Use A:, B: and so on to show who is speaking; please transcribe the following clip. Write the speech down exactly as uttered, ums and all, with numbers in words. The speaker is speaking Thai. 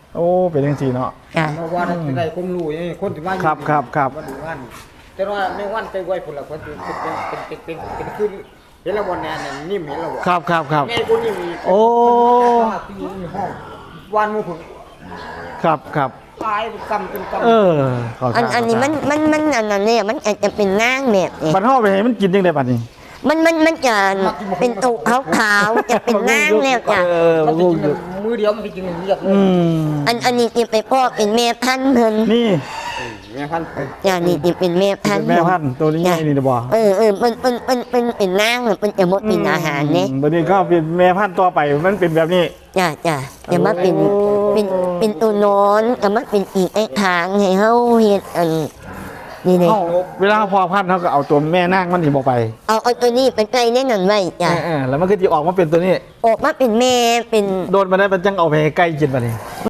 A: โอ้เป็นจังซี่เนาะ
B: จ้ะ
C: เพราะว่าจะได้ความรู้อย่างนี้คนที่ว่าอยู่
A: ครับครับครับ
C: วันนี้วันแต่ว่าในวันใจไวผลละคนเป็นเป็นเป็นเป็นเป็นขึ้นเห็นแล้ววันนี้เนี่ยนิ่มเห็นแล้วบ่
A: ครับครับครับ
C: ไงกูนิ่มอีก
A: โอ้
C: ที่มีห้องวันมูผล
A: ครับครับ
C: ตายเป็นกำเป็นกำ
A: เออข
B: อันอันนี้มันมันมันอันนั้นเนี่ยมันอาจจะเป็นนางแบบเนี่ย
A: บัดเฮาไปให้มันกินจังได๋บัดนี้
B: มันมันมันจะเป็นตุขาวขาวๆจะเป็นนางแล้วจ้ะ
A: เออ
C: มัน
A: บ่
C: จะ
A: รู้
C: กินมือเดียวมันจะกินเรียบเล
A: อื
C: ย
A: ม
B: อันอันนี้จะไปพ่อเป็นแม่พันธุ์เพิ่น
A: นี่
C: แม่พันธุ์
B: จ้ะนี่จะเป็นแม่พัน
A: เป็น
B: ธุ์
A: แม่พันธุ์ตัวนี้ไงนี่นะบ่
B: เออเออมันมันมันเป็นเป็นนางมันจะหมดเป็นอาหารเนี่ย
A: อืมบัดนี้ก็เป็นแม่พันธุ์ต่อไปมันเป็นแบบนี้
B: จ้ะจ้ะจะมาเป็น
A: โอ้
B: เป็นเป็นตัวนอนก็มาเป็นอีกไอ้ทางให้เฮาเฮ็ดอันนี่เลย
A: เฮาเวลาพอพันธุ์เฮาก็เอาตัวแม่นางมันสิบ่ไป
B: เอาเอาตัวนี้ไปใกล้แน่นอนไว้จ้ะ
A: เออๆแล้วมันก็สิออกมาเป็นตัวนี้
B: ออกมาเป็นแม่เป็น
A: โดนมาได้มันจังเอาไปให้ไก่กินบัดนี้